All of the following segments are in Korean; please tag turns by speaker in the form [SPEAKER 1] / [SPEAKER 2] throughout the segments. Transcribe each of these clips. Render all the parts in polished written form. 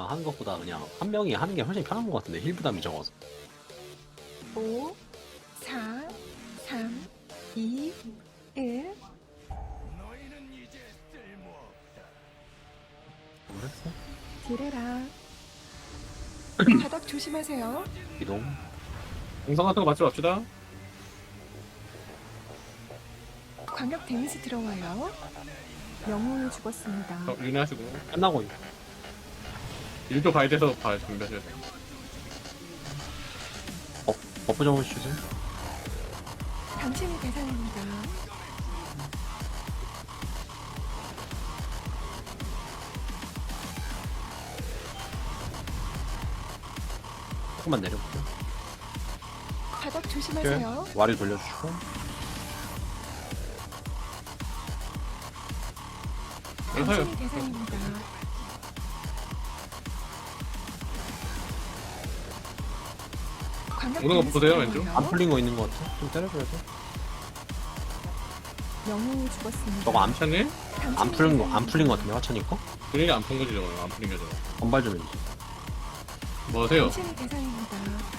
[SPEAKER 1] 하는 것보다 그냥 한 명이 하는 게 훨씬 편한 것 같은데 힐 부담이 적어서.
[SPEAKER 2] 5, 4, 3, 2, 1.
[SPEAKER 1] 모르겠어.
[SPEAKER 2] 딜해라. 바닥 조심하세요.
[SPEAKER 1] 이동.
[SPEAKER 3] 공성 같은 거 맞지 맙시다.
[SPEAKER 2] 광역 데미지 들어와요. 영웅이 죽었습니다.
[SPEAKER 3] 윤회하시고
[SPEAKER 1] 끝나고
[SPEAKER 3] 일도 가야 돼서 준비하셔야 돼요.
[SPEAKER 1] 버프 좀 주세요.
[SPEAKER 2] 당신이 대상입니다.
[SPEAKER 1] 조금만 내려볼게요.
[SPEAKER 2] 바닥 조심하세요.
[SPEAKER 1] 와리 돌려주시고.
[SPEAKER 2] 당신이 대상입니다. 광역
[SPEAKER 3] 오는 거
[SPEAKER 2] 데미지
[SPEAKER 3] 보세요,
[SPEAKER 2] 들어와요.
[SPEAKER 3] 왼쪽.
[SPEAKER 1] 안 풀린 거 있는 것 같아. 좀 때려줘야 돼.
[SPEAKER 2] 영웅이 죽었습니다.
[SPEAKER 1] 저거
[SPEAKER 3] 암찬님?
[SPEAKER 1] 안 풀린 거 안 풀린 거 같은데 화천이 거?
[SPEAKER 3] 분위기 안 푼 거지 저거. 안 풀린 거죠.
[SPEAKER 1] 건발 좀 해주세요.
[SPEAKER 3] 뭐 하세요?
[SPEAKER 2] 당신이 대상입니다.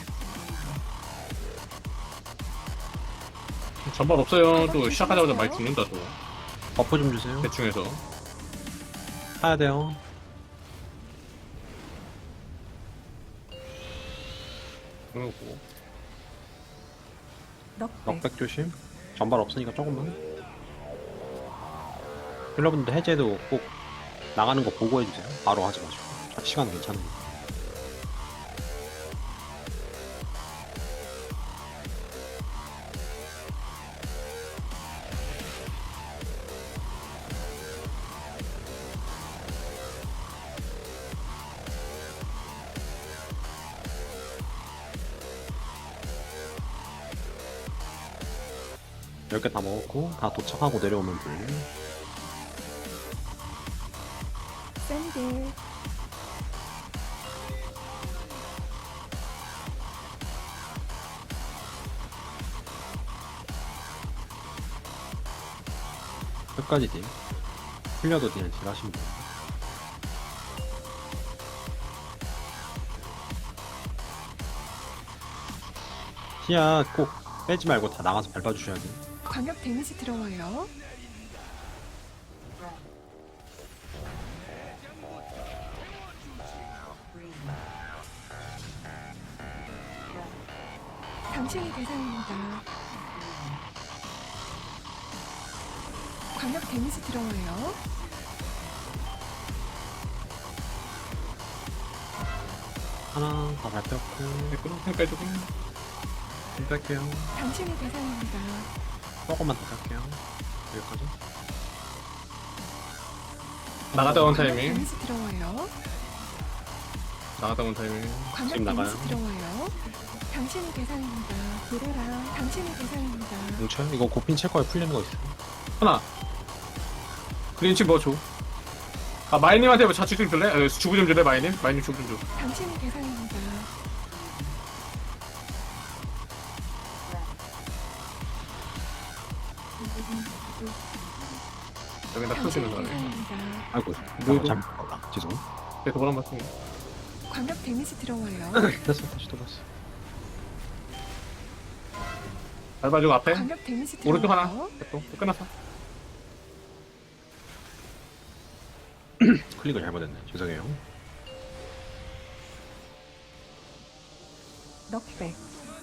[SPEAKER 3] 전발 없어요. 또 시작하자마자 많이 죽는다 또.
[SPEAKER 1] 버프 좀 주세요.
[SPEAKER 3] 대충 해서.
[SPEAKER 1] 타야 돼요.
[SPEAKER 3] 그러고
[SPEAKER 2] 넉백.
[SPEAKER 1] 넉백 조심. 전발 없으니까 조금만. 힐러분들 해제도 꼭 나가는 거 보고 해주세요. 바로 하지 마시고. 시간 괜찮으니까. 열 개 다 먹었고 다 도착하고 내려오면 불.
[SPEAKER 2] 샌들.
[SPEAKER 1] 끝까지 딜. 풀려도 그냥 딜 하시면 돼요. 시야 꼭 빼지 말고 다 나가서 밟아주셔야 돼요.
[SPEAKER 2] 광역 데미지 들어와요. 당신이 대상입니다. 광역 데미지 들어와요.
[SPEAKER 1] 하나 다 밟혔고
[SPEAKER 3] 댓글 해주고.
[SPEAKER 1] 좀 뺄게요.
[SPEAKER 2] 당신이 대상입니다.
[SPEAKER 1] 조금만 더 뺄게요. 여기까지.
[SPEAKER 3] 나갔다 온
[SPEAKER 2] 광역
[SPEAKER 3] 타이밍.
[SPEAKER 2] 데미지 들어와요.
[SPEAKER 3] 나갔다 온 타이밍.
[SPEAKER 2] 광역
[SPEAKER 1] 지금 나가요.
[SPEAKER 2] 데미지 들어와요. 당신이 대상입니다. 딜해라. 당신이 대상입니다.
[SPEAKER 1] 뭉쳐요? 이거 고핀 칠 거에 풀리는 거 있어요.
[SPEAKER 3] 하나. 그린치 뭐 줘? 아 마이님한테 뭐 자취 좀 줄래? 주부 좀 줄래 마이님? 마이님 주부 좀 줘.
[SPEAKER 2] 당신이 대상입니다.
[SPEAKER 3] 여기다 푸시는
[SPEAKER 2] 당신이
[SPEAKER 3] 거네.
[SPEAKER 2] 대상입니다.
[SPEAKER 1] 아이고
[SPEAKER 3] 뭐이고?
[SPEAKER 1] 잘못 봤다. 죄송.
[SPEAKER 3] 그래서 뭐란 말씀?
[SPEAKER 2] 광역 데미지 들어와요.
[SPEAKER 1] 됐어 다시 돌았어.
[SPEAKER 3] 밟아주고 앞에.
[SPEAKER 2] 광역 데미지
[SPEAKER 3] 오른쪽 하나.
[SPEAKER 2] 들어와요.
[SPEAKER 3] 또 끝났어.
[SPEAKER 1] 클릭을 잘못했네. 죄송해요.
[SPEAKER 2] 넉백.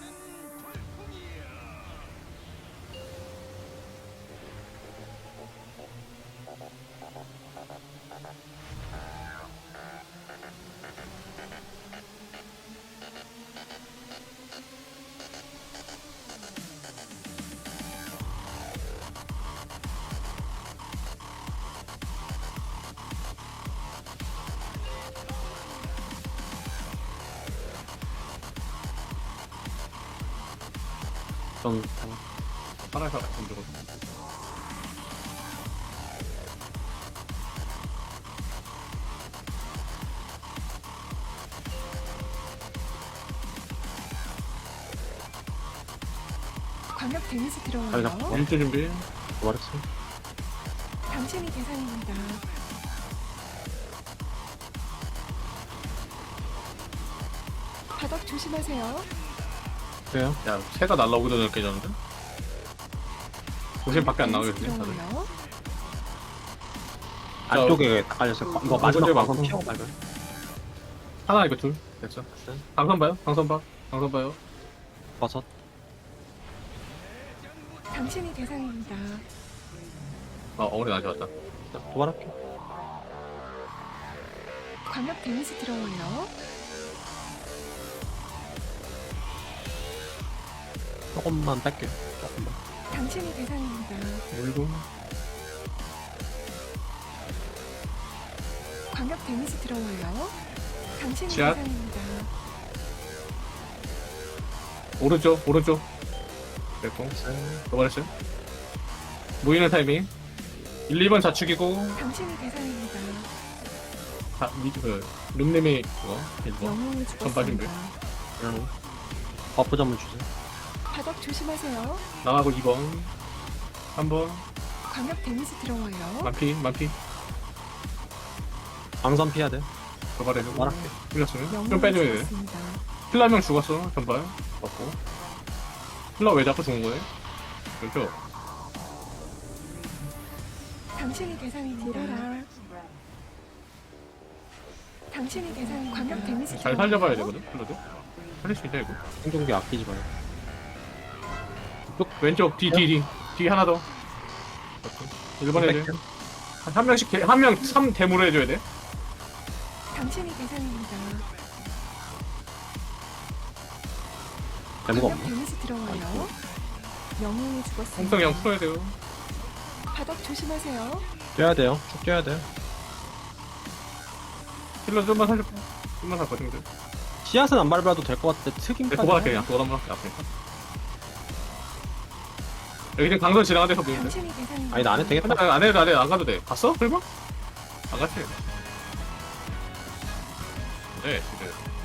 [SPEAKER 1] 좀
[SPEAKER 3] 하나에서 안 죽었어.
[SPEAKER 2] 광역 데미지
[SPEAKER 1] 잘
[SPEAKER 2] 들어와요.
[SPEAKER 1] 잡고.
[SPEAKER 3] 일주 준비.
[SPEAKER 1] 말했어.
[SPEAKER 2] 당신이 대상입니다. 바닥 조심하세요.
[SPEAKER 1] 그래요?
[SPEAKER 3] 야 새가 날라오기 전에 깨졌는데? 조심 밖에 안 나오게
[SPEAKER 2] 데미지
[SPEAKER 3] 되네 다들.
[SPEAKER 2] 들어와요.
[SPEAKER 1] 안쪽에 딱 깔렸어요. 이거 마지막
[SPEAKER 3] 문제
[SPEAKER 1] 방송
[SPEAKER 3] 많고.
[SPEAKER 1] 피하고 말고요.
[SPEAKER 3] 하나 이거 둘 됐어. 방선 봐요. 방선 봐요.
[SPEAKER 1] 버섯.
[SPEAKER 2] 당신이 대상입니다.
[SPEAKER 3] 어머니 나한테 왔다.
[SPEAKER 1] 도발할게요.
[SPEAKER 2] 광역 데미지 들어와요.
[SPEAKER 1] 조금만 뺄게요. 조금만.
[SPEAKER 2] 당신이 대상입니다.
[SPEAKER 3] 울고.
[SPEAKER 2] 광역 데미지 들어와요. 당신이
[SPEAKER 3] 지압.
[SPEAKER 2] 대상입니다.
[SPEAKER 3] 오른쪽. 됐고. 도발했어요. 모이는 타이밍. 1, 2번 좌측이고.
[SPEAKER 2] 당신이 대상입니다.
[SPEAKER 3] 룸님이 그거 1번.
[SPEAKER 2] 영웅을
[SPEAKER 3] 빠진
[SPEAKER 2] 죽었습니다.
[SPEAKER 1] 그냥 버프 점을 주세요.
[SPEAKER 2] 바닥 조심하세요.
[SPEAKER 3] 나가고 2번. 3번.
[SPEAKER 2] 광역 데미지 들어와요.
[SPEAKER 3] 만피.
[SPEAKER 1] 방선 피해야 돼요.
[SPEAKER 3] 도발해서.
[SPEAKER 1] 말할게.
[SPEAKER 3] 풀렸으면. 좀
[SPEAKER 2] 영웅을
[SPEAKER 3] 빼줘야 돼.
[SPEAKER 2] 죽었습니다.
[SPEAKER 3] 힐러 한 명 죽었어. 전발. 맞고. 힐러 왜 자꾸 죽은 거예요? 그렇죠?
[SPEAKER 2] 당신이 대상입니다. 당신이 대상 광역 데미지
[SPEAKER 3] 잘
[SPEAKER 2] 들어와요.
[SPEAKER 3] 살려봐야 되거든, 힐러도. 살릴 수 있다, 이거.
[SPEAKER 1] 생존기 아끼지 마요.
[SPEAKER 3] 왼쪽, 뒤 하나 더. 1번 해야 돼. 한 명씩, 한 명 3대무로 해줘야 돼.
[SPEAKER 2] 당신이 대상입니다.
[SPEAKER 1] 데모가
[SPEAKER 2] 광역
[SPEAKER 1] 없네.
[SPEAKER 2] 데미지 들어와요. 영웅이 죽었습니다.
[SPEAKER 3] 홍성 형 풀어야 돼요.
[SPEAKER 2] 바닥 조심하세요.
[SPEAKER 1] 뛰어야 돼요. 쭉 뛰어야 돼요.
[SPEAKER 3] 힐러 좀만 살려. 좀만 살거든, 데
[SPEAKER 1] 씨앗은 안 밟아도 될 것 같은데 특임까지.
[SPEAKER 3] 도발할게, 그냥. 도발 한번 할게, 앞에니까. 여기 지금 강선 지나간 데서 보이는데.
[SPEAKER 2] 당신이 대상입니다.
[SPEAKER 1] 아니 나 안 해도 되겠다.
[SPEAKER 3] 안 해도 안 가도 돼. 갔어? 설마? 안 갔지? 네, 지금.